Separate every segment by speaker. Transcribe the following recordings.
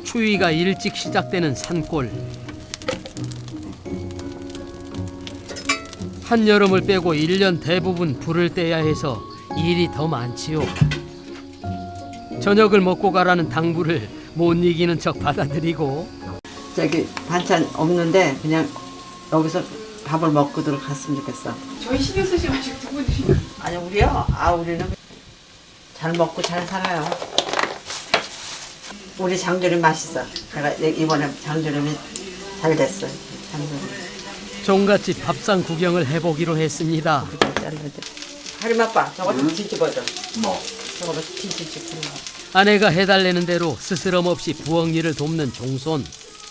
Speaker 1: 추위가 일찍 시작되는 산골. 한여름을 빼고 1년 대부분 불을 떼야 해서 일이 더 많지요. 저녁을 먹고 가라는 당부를 못 이기는 척 받아들이고
Speaker 2: 저기 반찬 없는데 그냥 여기서 밥을 먹고들 갔으면 좋겠어.
Speaker 3: 저희 신경 쓰지 마시고 두 분이.
Speaker 2: 아니 우리요? 우리는 잘 먹고 잘 살아요. 우리 장조림 맛있어. 내가 이번에 장조림이 잘 됐어. 장조림.
Speaker 1: 종갓집 밥상 구경을 해보기로 했습니다.
Speaker 2: 하림 아빠 저거 좀 뒤집어줘. 뭐? 저거 뒤집어.
Speaker 1: 아내가 해달라는 대로 스스럼 없이 부엌 일을 돕는 종손.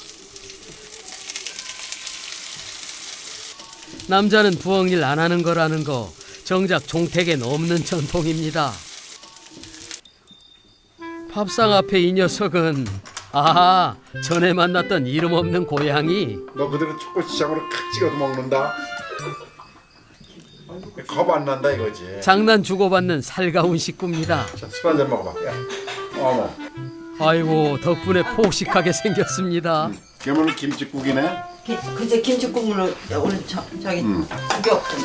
Speaker 1: 남자는 부엌 일 안 하는 거라는 거 정작 종택엔 없는 전통입니다. 밥상 앞에 이 녀석은 전에 만났던 이름 없는 고양이.
Speaker 4: 너 그대로 초코시장으로 칵 찍어서 먹는다. 겁 안 난다 이거지.
Speaker 1: 장난 주고받는 살가운 식구입니다.
Speaker 4: 자, 술 한잔 먹어봐. 야. 어머.
Speaker 1: 아이고 덕분에 폭식하게 생겼습니다.
Speaker 4: 괴물 김치국이네.
Speaker 2: 그제 김치국물로 오늘 저기 국이 없잖아.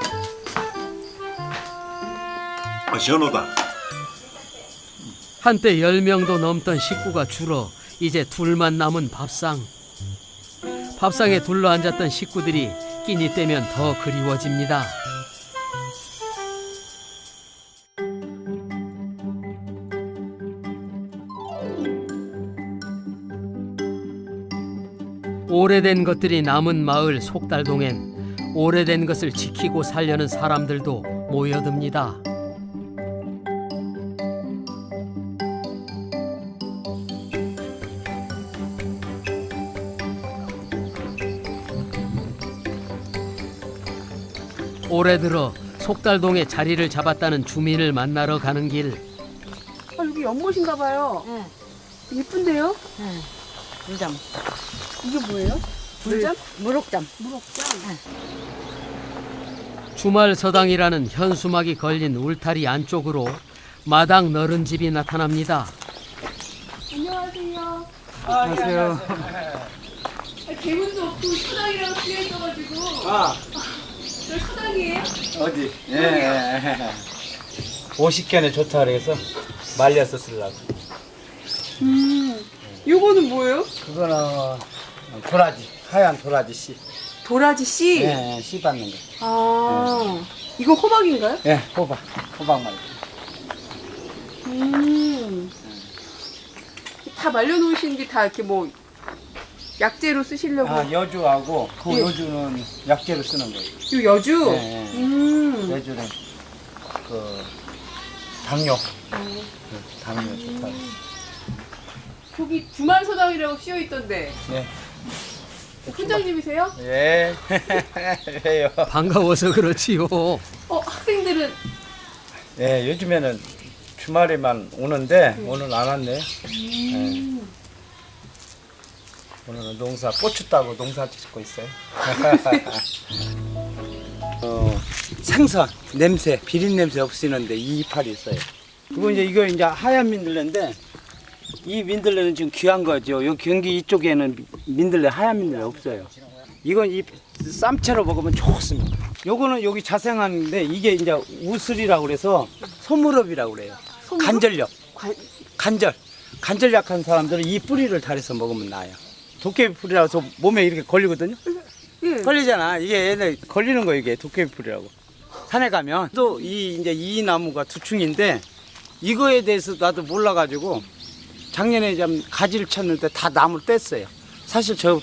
Speaker 4: 시원하다.
Speaker 1: 한때 10명도 넘던 식구가 줄어 이제 둘만 남은 밥상. 밥상에 둘러앉았던 식구들이 끼니 때면 더 그리워집니다. 오래된 것들이 남은 마을 속달동엔 오래된 것을 지키고 살려는 사람들도 모여듭니다. 올해 들어 속달동에 자리를 잡았다는 주민을 만나러 가는 길.
Speaker 3: 여기 연못인가 봐요.
Speaker 2: 응.
Speaker 3: 예쁜데요?
Speaker 2: 응. 물잠.
Speaker 3: 이게 뭐예요? 물잠?
Speaker 2: 무럭잠.
Speaker 3: 무럭잠.
Speaker 1: 주말 서당이라는 현수막이 걸린 울타리 안쪽으로 마당 너른 집이 나타납니다.
Speaker 3: 안녕하세요.
Speaker 5: 안녕하세요.
Speaker 3: 개문도 없고 서당이라고 쓰여 있어가지고. 저 서당이에요?
Speaker 5: 어디? 예. 50견에 좋다 그래서 말려서 쓰려고.
Speaker 3: 요거는 뭐예요?
Speaker 5: 그거는 도라지, 하얀 도라지 씨.
Speaker 3: 도라지 씨?
Speaker 5: 예, 씨 받는 거.
Speaker 3: 이거 호박인가요?
Speaker 5: 예, 호박 말고.
Speaker 3: 다 말려놓으신 게 다 이렇게 뭐 약재로 쓰시려고.
Speaker 5: 여주하고 그
Speaker 3: 예.
Speaker 5: 여주는 약재로 쓰는 거예요.
Speaker 3: 요 여주?
Speaker 5: 예. 여주는 그 당뇨. 그 당뇨 좋다.
Speaker 3: 저기 주말 서당이라고 쓰여 있던데.
Speaker 5: 예.
Speaker 3: 훈장님이세요?
Speaker 5: 예. 해요.
Speaker 1: 반가워서 그렇지요.
Speaker 3: 학생들은
Speaker 5: 예, 요즘에는 주말에만 오는데 오늘 안 왔네. 예. 오늘은 고추 따고 농사 짓고 있어요. 생선 냄새, 비린 냄새 없애는데 이 이파리 있어요. 그리고 이거 이제 하얀 민들레인데 이 민들레는 지금 귀한 거죠. 요 경기 이쪽에는 민들레 하얀 민들레 없어요. 이건 이 쌈채로 먹으면 좋습니다. 요거는 여기 자생하는데 이게 이제 우슬이라고 그래서 소무렵이라고 그래요.
Speaker 3: 소무렵?
Speaker 5: 간절력. 간절 약한 사람들은 이 뿌리를 달여서 먹으면 나아요. 도깨비 풀이라서 몸에 이렇게 걸리거든요.
Speaker 3: 예.
Speaker 5: 걸리잖아. 이게 얘네 걸리는 거 이게 도깨비 풀이라고. 산에 가면 또 이제 이 나무가 두충인데 이거에 대해서 나도 몰라가지고 작년에 좀 가지를 쳤는데 다 나무를 뗐어요. 사실 저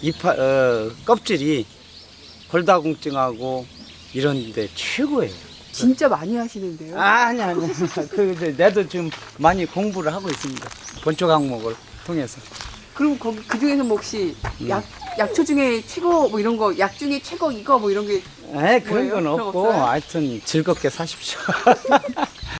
Speaker 5: 껍질이 골다공증하고 이런데 최고예요.
Speaker 3: 진짜 많이 하시는데요?
Speaker 5: 아니. 내도 지금 많이 공부를 하고 있습니다. 본초 강목을 통해서.
Speaker 3: 그럼 거기 그 중에서 뭐 혹시 약초 중에 최고 뭐 이런 거, 약 중에 최고 이거 뭐 이런 게
Speaker 5: 그런 건
Speaker 3: 뭐예요?
Speaker 5: 없고
Speaker 3: 그런 거 없어요?
Speaker 5: 하여튼 즐겁게 사십시오.